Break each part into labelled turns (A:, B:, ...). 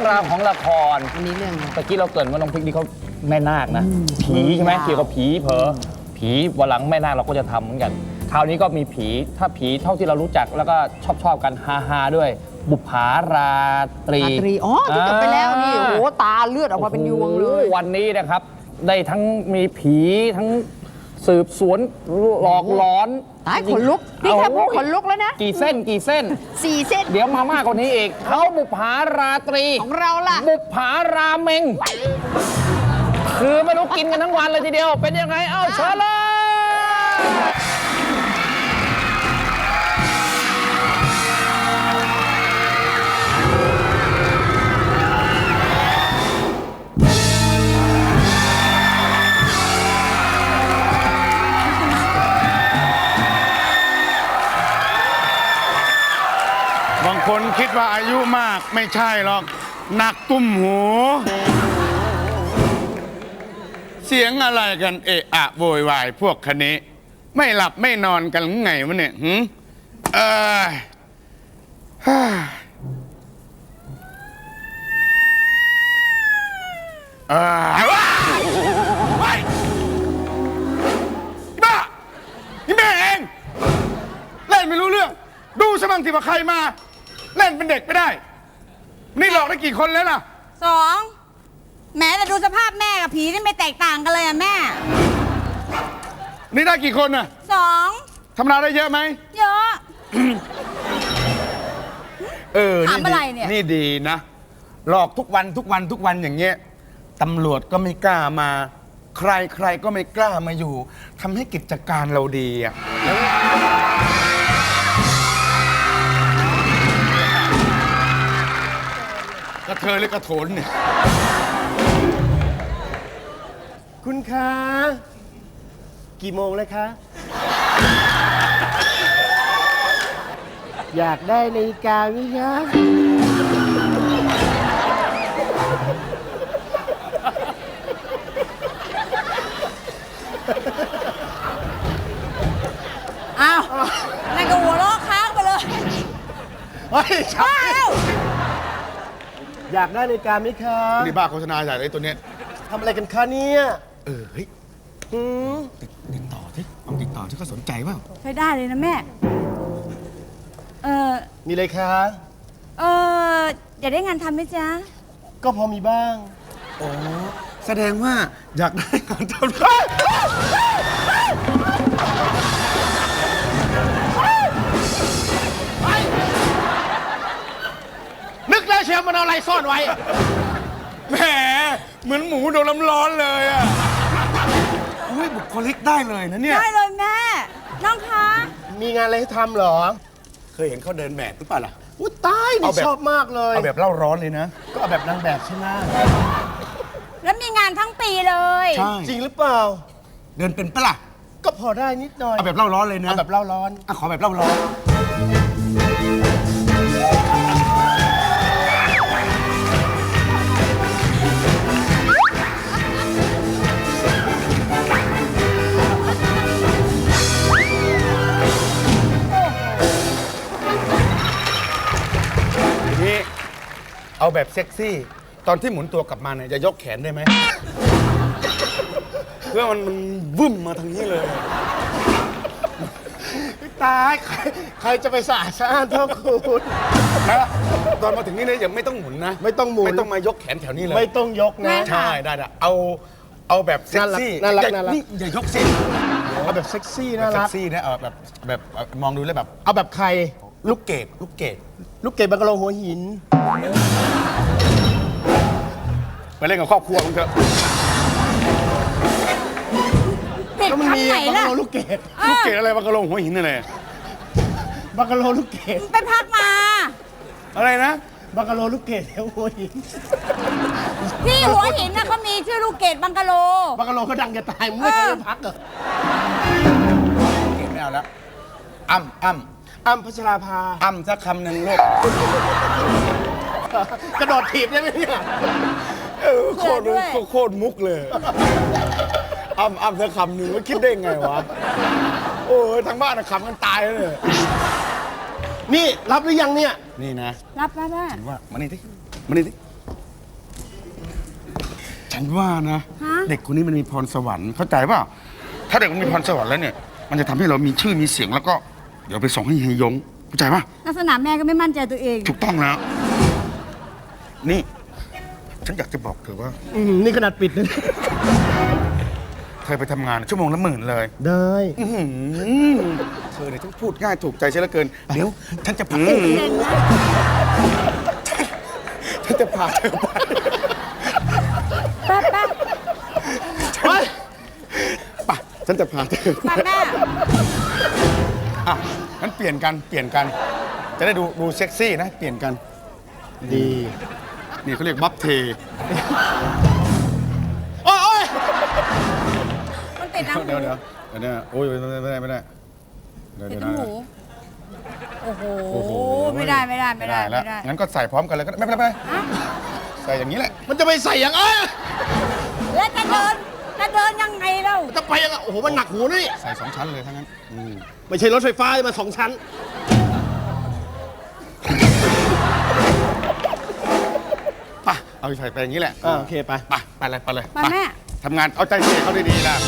A: ราวของละคร
B: อันนี้เรื่อง
A: ตะกี้เราเกริ่นว่าน้องพริกนี่เขาแม่นาคนะผีใช่ไหมเกี่ยวกับผีเผลอผีวันหลังแม่นาคเราก็จะทำเหมือนกันคราวนี้ก็มีผีถ้าผีเท่าที่เรารู้จักแล้วก็ชอบกันฮาด้วยบุปผาราตรี
B: อ๋อที่จบไปแล้วนี่โอ้โหตาเลือดออกมาเป็นยวงเลย
A: วันนี้นะครับได้ทั้งมีผีทั้งสืบสวนหลอกหลอน
B: ตายขนลุกนี่แค่พูดขนลุกแล้วนะ
A: กี่เส้น
B: 4 เส้น
A: เดี๋ยวมามากกว่านี้อีกเขาบุปผาราตรี
B: ของเราล่ะ
A: บุปผาราเมงคือไม่รู้กินกันทั้งวันเลยทีเดียวเป็นยังไงเอ้าเชิญเลย
C: บางคนคิดว่าอายุมากไม่ใช่หรอกหนักตุ้มหูเสียงอะไรกันเอะอะโวยวายพวกคณะไม่หลับไม่นอนกันไงวะเนี่ยว้ายบ้านี่แม่เองเล่นไม่รู้เรื่องดูสมั่งที่ว่าใครมาเล่นเป็นเด็กไม่ได้นี่หลอกได้กี่คนแล้วล่ะ
D: 2แม้แต่ดูสภาพแม่กับผีนี่ไม่แตกต่างกันเลยอะแม่
C: นี่ได้กี่คนน่ะ
D: 2
C: ทำงานได้เยอะไหม
D: เยอะ ถามอะไรเนี่ย
C: นี่ดีนะหลอกทุกวันอย่างเงี้ยตำรวจก็ไม่กล้ามาใครก็ไม่กล้ามาอยู่ทำให้กิจการเราดีอ่ะกระเทยหรือกระโถนเนี่ย
E: คุณคะกี่โมงแล้วคะอยากได้นาฬิกาไหมคะ
D: อ้าวนั่นก็หัวเราะค้างไปเลย
E: เฮ้ยช้าอยากได้นาฬิกาไหมคะ
C: นี่บ้าโฆษณาใหญ่เลยตัวเนี้ย
E: ทำอะไรกันคะเนี่ย
C: เฮ้ยติดต่อที่เอาติดต่อที่เขาสนใจว่า
D: ใช้ได้เลยนะแม่
E: มีอะไรคะ
D: อยากได้งานทำไหมจ๊ะ
E: ก็พอมีบ้าง
C: อ๋อแสดงว่าอยากได้งานทำ
E: นึกแล้วเชียวมันเอาอะไรซ่อนไว้
C: แหมเหมือนหมูโดนน้ำร้อนเลยอ่ะอุ้ยบุคลิกได้เลยนะเนี่ย
D: ได้เลยแม่น้องคะ
E: มีงานอะไรให้ทำเหรอ
C: เคยเห็นเขาเดินแบบหรือเปล่าล่ะ
E: อุ้ยตายนี่ชอบมากเลย
C: เอาแบบเล่าร้อนเลยนะ
E: ก็เอาแบบนางแบบใช่ไหม
D: แล้วมีงานทั้งปีเลย
E: ใช่จริงหรือเปล่า
C: เดินเป็นปะล่ะ
E: ก็พอได้นิดหน่อย
C: เอาแบบเล่าร้อนเลยนะ
E: เอาแบบเล่าร้อน
C: ขอแบบเล่าร้อนเอาแบบเซ็กซี่ตอนที่หมุนตัวกลับมาเนี่ยจะยกแขนได้ไหม เพื่อมันวึ่มมาทางนี้เลย
E: ตายใครจะไปสะอาดเท่าคุณ
C: นะตอนมาถึงนี่เนี่ยยังไม่ต้องหมุนนะ
E: ไม่ต้องหมุน
C: ไม่ต้องมายกแขนแถวนี้เลย
E: ไม่ต้องยกนะ
C: ใช่ได้เอาแบบเซ็กซี่
E: น่ารัก
C: นี่อย่ายกสิ
E: เอาแบบเซ็กซี่น่ารัก
C: เซ็กซี่นะเอาแบบมองดูแล้วแบบ
E: เอาแบบใคร
C: ลูกเกด
E: บังกะโลหัวหิน
C: ไปเล่นกับครอบครัวมึงเถอะ
D: เด็กชั้นไหนล่ะ
E: ลูกเกด
C: อะไรบังกะโลหัวหินอะไร
E: บังกะโลลูกเกด
D: ไปพักมา
C: อะไรนะ
E: บังกะโลลูกเกดหัวหิน
D: ที่หัวหินน่ะเขามีชื่อลูกเกดบังกะโล
E: ก็ดังจะตายมึงไม่เคยพักเหรอ
C: เกดไม่เอาแล้ว
E: อ้ำพัชราภา
C: สักคำหนึ่งลูก
E: กระโดดถีบได้ไหมเนี่ย
C: โคตรมุกเลยอ้ำสักคำหนึ่งว่าคิดได้ไงวะโอ้ยทางบ้านขำกันตายเลย
E: นี่รับหรือยังเนี่ย
C: นี่นะ
D: รับได้
C: ว่ามานี่ฉันว่านะ
D: ฮะ
C: เด็กคนนี้มันมีพรสวรรค์เข้าใจเปล่าถ้าเด็กมันมีพรสวรรค์แล้วเนี่ย มันจะทำให้เรามีชื่อมีเสียงแล้วก็เดี๋ยวไปส่งให้เฮยงเข้าใจป่ะ
D: ลักษณะแม่ก็ไม่มั่นใจตัวเอง
C: ถูกต้องแล้ว นี่ ฉันอยากจะบอกเธอว่า
E: นี่ขนาดปิดนะ
C: เธอไปทำงานชั่วโมงละ10,000เลย
E: ได้
C: อื้อหือเธอเนี่ยฉันพูดง่ายถูกใจฉันเหลือเกิน เดี๋ยว ฉันจะพาฉันจะพาเธอไป
D: แป๊บ
C: ไปฉันจะพาเธอไป
D: แม่
C: อ่ะงั้นเปลี่ยนกัน จะได้ดูเซ็กซี่นะ เปลี่ยนกัน
E: ดี
C: นี่เขาเรียกบัฟเทโอ้ย
D: มันติดน้ำหู
C: เดี๋ยวโอ้ยไม่ได้เดี๋ยว
D: ติด
C: นะ
D: น้ำหู โอ้โห ไม่ได้
C: แล้วงั้นก็ใส่พร้อมกันเลยก็ได้ไม่เป็นไรใส่อย่างนี้แหละ
E: มันจะไปใส่อย่าง
D: แล้วจะเดินยังไงเล่า
E: จะไปยังโอ้โห มันหนักหูนี่
C: ใส่2 ชั้นเลยทั้งนั้น
E: ไม่ใช่รถไฟฟ้ามา2 ชั้น
C: ไปเอาใส่ไปอย่างนี้แหละ
E: โอเคไป
C: ไปเลย
D: ไปแม่
C: ทำงานเอาใจใส่เขาดีๆนะ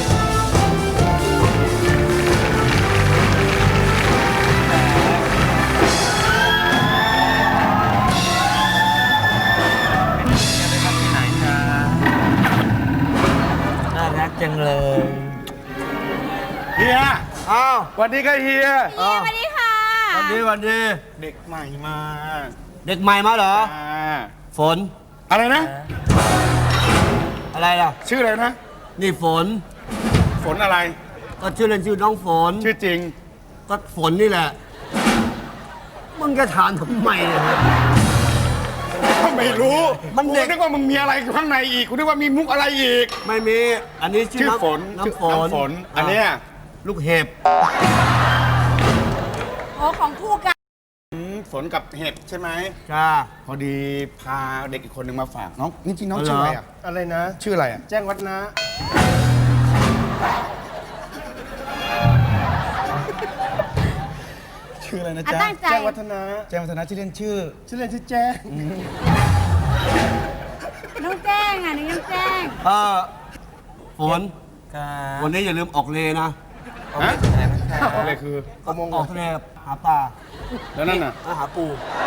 A: น่ารักจังเลย
C: เฮีย
E: อ้าว
C: สวัสดีครับเฮีย
D: สวัสดีค่ะ
E: วันดี
C: เด็กใหม่มา
E: เด็กใหม่มาเหรอ ฝน
C: อะไรนะ
E: อะไรล่ะ
C: ชื่ออะไรนะ
E: นี่ฝน
C: ฝนอะไร
E: ก็ชื่อเล่นชื่อน้องฝน
C: ชื่อจริง
E: ก็ฝนนี่แหละ มึงจะถามทำไมเนี่ย
C: ไม่รู้
E: มันเด็ก
C: กูนึกว่ามึงมีอะไรข้างในอีกกูนึกว่ามีมุกอะไรอีก
E: ไม่มี อันนี้ชื่
C: ชื่อ
E: อ
C: ฝน
E: น้ำฝ
C: ชื่
E: น
C: น้ำฝน อันเนี้ย
E: ลูกเห็บ
D: โอ้ของคู่กัน
C: ฝนกับเห็บใช่ไหม
E: จ้า
C: พอดีพาเด็กอีกคนหนึ่งมาฝากน้องจริงๆน้องชื่ออะไรอ่ะ
E: อะไรนะ
C: ชื่ออะไรอ่ะ
E: แจ้งวัฒนะ
C: ชื่ออะไรนะ
D: อ่ะ
C: จ๊ะ
D: ตั้งใจ
E: แจ้งวัฒนะ
C: แจ้งวัฒนะชื่อเล่นชื่อ
E: ชื่อเล่นชื่อแจ้ง
D: น้องแจ้งอ่ะน้องแจ้ง
E: ฝนวันนี้อย่าลืมออกเลนะ
C: ฮะอะไรคือ
E: ออกทะเลหาปลา
C: แล้วนั่นน่ะ
E: หาปู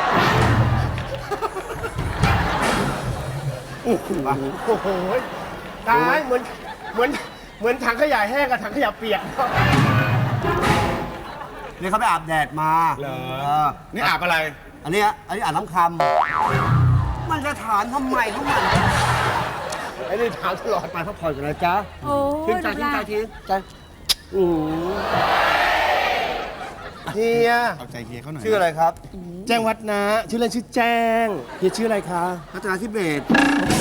C: โอ้โห
E: โอ้โหตายเหมือนถังขยะแห้งกับถังขยะเปียก นี่เขาไปอาบแดดมา
C: เหรอ
E: เออ
C: นี่อาบอะไร
E: อันนี้อาบน้ำคำมันจะถามทำไมของมันไอ้นี่ถามตลอดไปพักผ่อนกันนะจ๊ะ
D: โอ้
E: ทิ้งใจทิ้งใจทิ้งใจเฮีย
C: เอาใจเฮียเขาหน่อย
E: ชื่ออะไรครับ แจ้งวัฒนะชื่อเล่นชื่อแจ้งเฮียชื่ออะไรคะรัตนาธิเบศร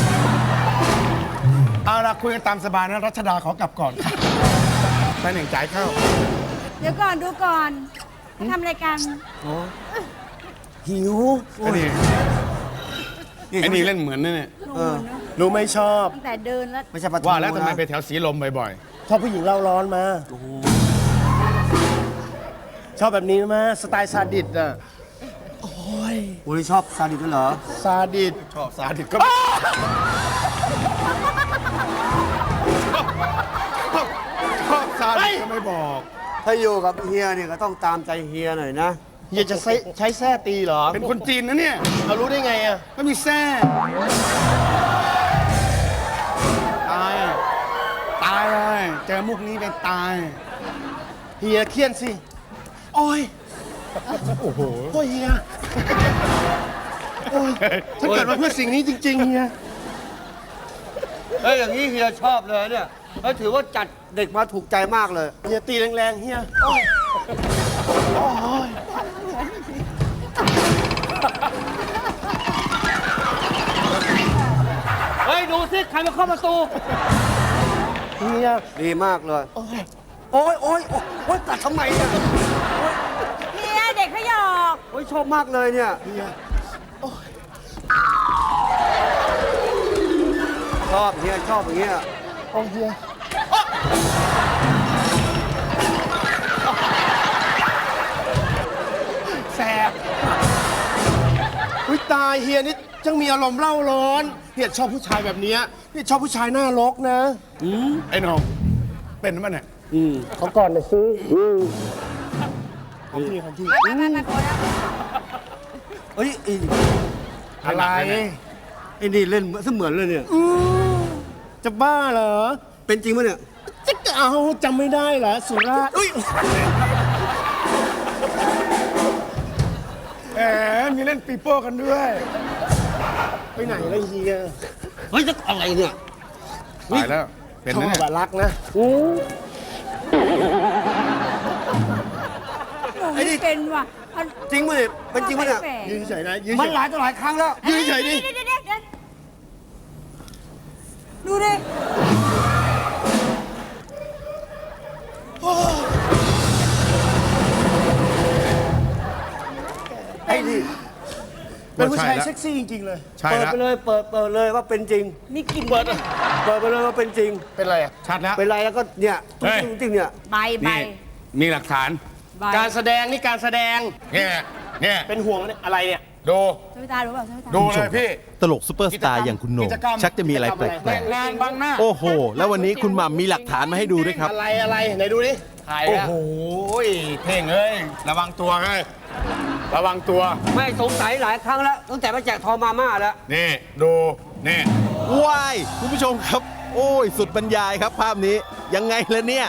C: เอาละคุยกันตามสบายนะรัชดาขอกลับก่อนค่ะไปหนึ่งจ่ายเข้า
D: เดี๋ยวก่อนดูก่อนทำรายการ
E: หิว
C: ไอ้นี่เล่นเหมือนนั่นเนี่ย
E: รู้ไม่ชอบ
D: ตั้งแต่เดินแล้ว
E: ไม่ใช่ปลาทู
C: ว่าแล้วทำไม
E: นะ
C: ไปแถวสีลมบ่อย
E: ชอบผู้หญิงเล่าร้อนมาชอบแบบนี้ไหมสไตล์ซาดิสอ่ะโอ้ยชอบซาดิสด้วยเหรอซาดิส
C: ๆ ชอบสาธิตก็ชอบสาธิตก็ไม่บอก
E: ถ้าอยู่กับเฮียเนี่ยก็ต้องตามใจเฮียหน่อยนะเฮียจะใช้แส้ตีเหรอ
C: เป็นคนจีนนะเนี่ย
E: เรารู้ได้ไงอ่ะ
C: ก็มีแซ่ตายเลยเจอมุกนี้ไปตาย
E: เฮียเครียดสิโอ้ยโอ้โหเฮียโอ้ยฉันเกิดมาเพื่อสิ่งนี้จริงๆเฮียเฮ้ยอย่างนี้เฮียชอบเลยเนี่ยเฮ้ยถือว่าจัดเด็กมาถูกใจมากเลยเฮียตีแรงๆเฮียโอ้ยเฮ้ยดูสิใครมาเข้าประตูเฮียดีมากเลยโอ้ยตัดทำไมเนี่ย
D: เฮียเด็กเขาหยอก
E: โอ้ยชอบมากเลยเนี่ยชอบเฮียชอบอย่างเงี้ยโอ้เฮียแสบอุ้ยตายเฮียนี่จังมีอารมณ์เล่าร้อนเนี่ยชอบผู้ชายแบบเนี้ยเนี่ยชอบผู้ชายหน้ารกนะ
C: ไอ้น้องเป็นมั้ยเนี่ย
E: เขาก่อนนะซื้อของพี่ของพี่
D: ไปพอแล้ว
E: เอ้ยอะไรไอ้นี่เล่นเสมือนเลยเนี่ยจะบ้าเหรอเป็นจริงปะเนี่ยจะเอาจำไม่ได้เหรอสุราษฎร์อุ้ย
C: แหมมีเล่นปีโป้กันด้วย
E: ไปไหนแล้วเฮียเฮ้ยจะอะไรเนี่ย
C: ตายแล้ว เป็น
E: ชอ
C: นะ
E: บ
C: เนี่ย
E: อะรักนะ
D: ไอ้นี่เป็นว่ะ
E: จริงปะเนี่ยเป็นจริงปะเนี่ยยืนเฉยนะยืนมันหลายต่อหลายครั้งแล้วยืนเฉยดิ
D: เดี๋ยวดูดิ
E: ไอ้นี่เป็นผู้ชายเซ็กซี่จริงๆเลย
C: ใช่
E: เปิด
C: แล้ว
E: ไปเลยเปิดเลยว่าเป็นจริง
D: นี่กิน
E: เปิดไปเลยว่าเป็นจริง
C: เป็นไรอ่ะ ชัดแล้ว
E: เป็นไรแล้วก็เนี่ย
C: เฮ้ย
E: จริงๆเนี่ย
D: ใบ
C: นี่มีหลักฐาน
E: การแสดงนี่การแสดง
C: เนี่ย
E: เป็นห่วงอะไรเนี่ย
C: ดู
D: ใช่ไหมตารู้เปล่าใช่ไหมตา
C: ดูเลยพี่
F: ตลกซุปเปอร์สตาร์อย่างคุณโหน่ง
C: กิจกรรม
F: ชักจะมีอะไรแปลก
C: งานบังหน้า
F: ๆ โอ้โห แล้ววันนี้คุณหม่ำมีหลักฐานมาให้ดูด้วยครับ
E: อะไรไหนดูดิ
A: ถ่าย
C: โอ้
A: แล้ว
C: โหเพ่งเอ้ย ระวังตัวเฮ้ยระวังตัว
E: ไม่สงสัยหลายครั้งแล้วตั้งแต่มาแจกทองมาม่าแล้ว
C: นี่ ดู นี่
F: ว้าย คุณผู้ชมครับ โอ้ย สุดบรรยายครับภาพนี้ ยังไงล่ะเนี่ย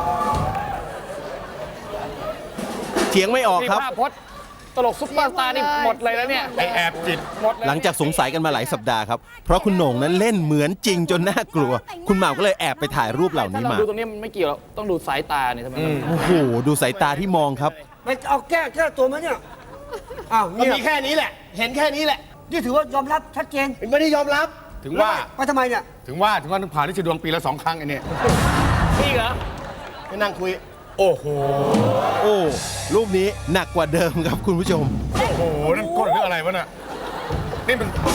F: เถียงไม่ออก
A: นี่
F: ครับ
A: ภาพพจน์ตลกซุปเปอร์สตาร์นี่หมดเลยแล้วเนี่ย
C: ไอแอบจิต
A: หมดเลย
F: หลังจากสงสัยกันมาหลายสัปดาห์ครับ เพราะคุณโหน่งนั้นเล่นเหมือนจริงจนน่ากลัว คุณหม่ำก็เลยแอบไปถ่ายรูปเหล่า
A: ถ้า
F: นี้
A: เรา
F: มา
A: ดูตรงนี้มันไม่เกี่ยวหรอกต้องดูสายตาเนี่ยทำไมมัน
F: โอ้โห ดูสายตาที่มองครับ
E: ไปเอาแก้ตัวมาเนี่ยอ้าวมันมีแค่นี้แหละ เห็นแค่นี้แหละนี่ถือว่ายอมรับชัดเจนไม่ได้ยอมรับ
C: ถึงว่า
E: ไปทำไมเนี่ย
C: ถึงว่าต้องผ่านที่ชดวงปีละ 2 ครั้งไอ้เนี่ย
A: นี่เหรอ
E: ไปนั่งคุย
C: โอ้โห
F: โอ้ รูปนี้หนักกว่าเดิมครับคุณผู้ชม
C: โอ้โห นั่นก้นหรืออะไรวะน่ะ นี่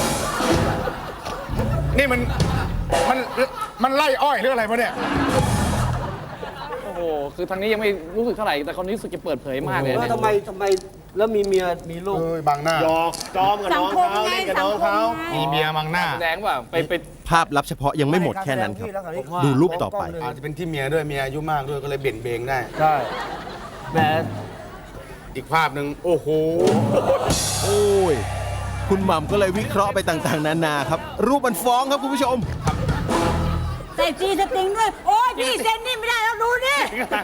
C: มันไล่อ้อยหรืออะไรวะเนี่ย
A: โอ้โหคือทางนี้ยังไม่รู้สึกเท่าไหร่แต่คนนี้รู้สึกจะเปิดเผยมากเลย
E: แล้ว
A: เนี่ย
E: ทำไมแล้วมีเมียมีลูก
C: เอ้ยบังหน้า
E: หยอกจอมกับ
D: สั
E: น้
D: ง
E: อง
D: คม
E: เขา
D: ไง
E: เล่นกับ
D: สั
E: น้
D: ง
E: อง
D: ค
E: เขา
D: มไง
C: มีเมียบังหน้า
A: แสดงว่าไป
F: ภาพลับเฉพาะยังไม่หมดแค่นั้นครับ ดูรูปต่อไป
C: อาจจะเป็นที่เมียด้วย เมียอายุมากด้วย ก็เลยเบี่ยงเบงได้
E: ใช่แหม
C: อีกภาพหนึ่งโอ้โห
F: โอ้ย คุณหม่ำก็เลยวิเคราะห์ไปต่างๆ นานาครับ รูปมันฟ้องครับคุณผู้ชม
D: ใส่จีสติงด้วย โอ้ยพี่เซ็นนี่ไม่ได้แล้วดูนี่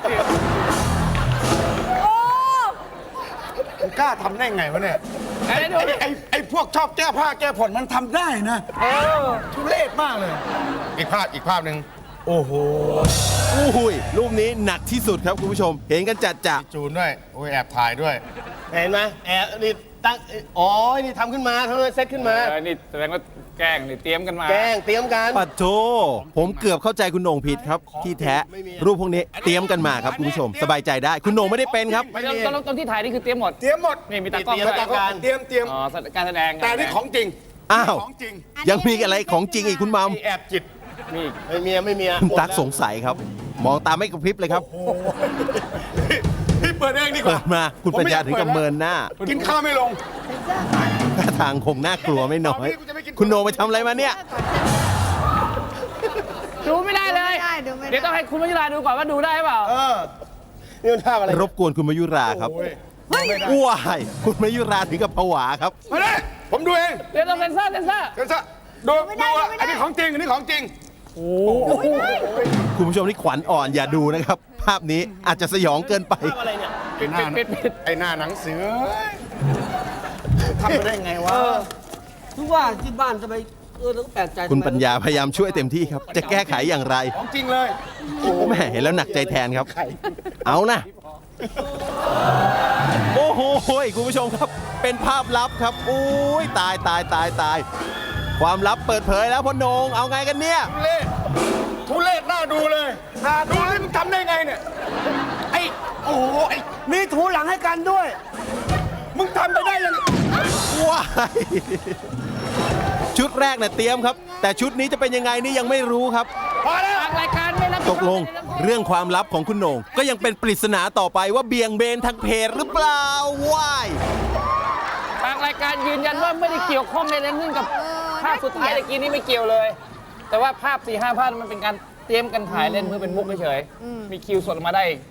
D: โอ้
C: มึงกล้าทำได้ไงวะเนี่ย ไอ้พวกชอบแก้ผ้าแก้ผ่อนมันทำได้นะทุเรศมากเลย อีกภาพหนึ่งโอ้โห
F: อุ้ย รูปนี้หนักที่สุดครับคุณผู้ชม เห็นกันจัดจ่ะ
C: จูนด้วย โอ้ยแอบถ่ายด้วย
E: เห็นไหมแอบนี่ตั้งอ๋อนี่ทำขึ้นมาทำเลยเซตขึ้นมา
A: นี่แสดงว่าแกล้งนี่เตรียมกันมา
E: แกล้งเตรียมกัน
F: ปัดโทผมเกือบเข้าใจคุณโหน่งผิดครับ ที่แท้รูปพวกนี้เตรียมกันมาครับคุณผู้ชม สบายใจได้ คุณโหน่งไม่ได้เป็นครับ
A: ไม่ตอนที่ถ่ายนี่คือเตรียมหมด
C: เตรียมหมด
A: นี่มีตากล้อง
E: เตรียม
A: ด้วย
E: ตากล้อง
C: เตรียม
A: อ๋อการแสดง
C: แต่นี่ของจริง
F: อ้าว
C: ของจริง
F: ยังมีอะไรของจริงอีกคุณหมัม
C: ไอ้แอบจิต
A: นี่
E: ไม่เมียไม่เมีย
F: คุณตั๊กสงสัยครับ มองตาไม่กระพริบเลยครับ
C: พี่เปิดเองดีก
F: เปิ
C: ว่า
F: ดมาคุณปัญญาถึงกับเมินหน้า
C: กินข้าวไม่ลง
F: ท่าทางคงน่ากลัวไม่น้อย คุณโหน่งไปทำอะไรมาเนี่ย
A: ดูไม่ได้เลย
B: ดูไม่ได้
A: เดี๋ยวต้องให้คุณวชิราดูก่อนว่าดูได้เปล่า
E: นี่มันท่าอะไร
F: รบกวนคุณมายุราครับ
C: โอ้ย
F: ว้ายคุณมายุราถึงกับผวาครับ
C: มาเลยผมดูเอง
A: เดี๋ยวต้องเซ็นเซอร์
C: เดี๋ยวซะดูอ่ะอันนี้ของจริง อันนี้ของจริง
F: คุณผู้ชมที่ขวัญอ่อนอย่าดูนะครับ ภาพนี้อาจจะสยองเกินไป
E: ท่าอะไรเนี่ย
C: ไอ้หน้า
A: ปิด
C: ไอ้หน้าหนังเสือทำไปได้ไงวะ
E: ทุกว่าที่บ้านทำไมต้องแปลกใจ
F: คุณปัญญาพยายามช่วยเต็มที่ครับ จะแก้ไขอย่างไร
C: ของจริงเลย
F: แม่เห็นแล้วหนักใจแทนครับ เอานะ โอ้โหคุณผู้ชมครับ เป็นภาพลับครับโอ้ยตาย ความลับเปิดเผยแล้วพ่อโหน่งเอาไงกันเนี่ย
C: ทุเรศน่าดูเลยน่าดูเลยมึงทำได้ไงเนี่ย ไอ้ โอ้โหไอ้
E: มีถูหลังให้กันด้วย
C: มึงทำไปได้ยังไง
F: ว้ายชุดแรกเนี่ยเตรียมครับ แต่ชุดนี้จะเป็นยังไงนี่ยังไม่รู้ครับ
C: พอแล้ว
A: ทางรายการไม่รับผิดช
F: ต
A: อบ
F: กลงเรื่องความลับของคุณโหน่งก็ยังเป็นปริศนาต่อไปว่าเบี่ยงเบนทางเพจหรือเปล่าว้าย
A: ทางรายการยืนยันว่าไม่ได้เกี่ยวข้องในเรื่องกับภาพสุดท้ายตะกี้นี้ไม่เกี่ยวเลย แต่ว่าภาพ4-5 ภาพมันเป็นการเตรียมกันถ่ายเล่นเพื่อเป็นมุกเฉยๆมีคิวสดออกมาได้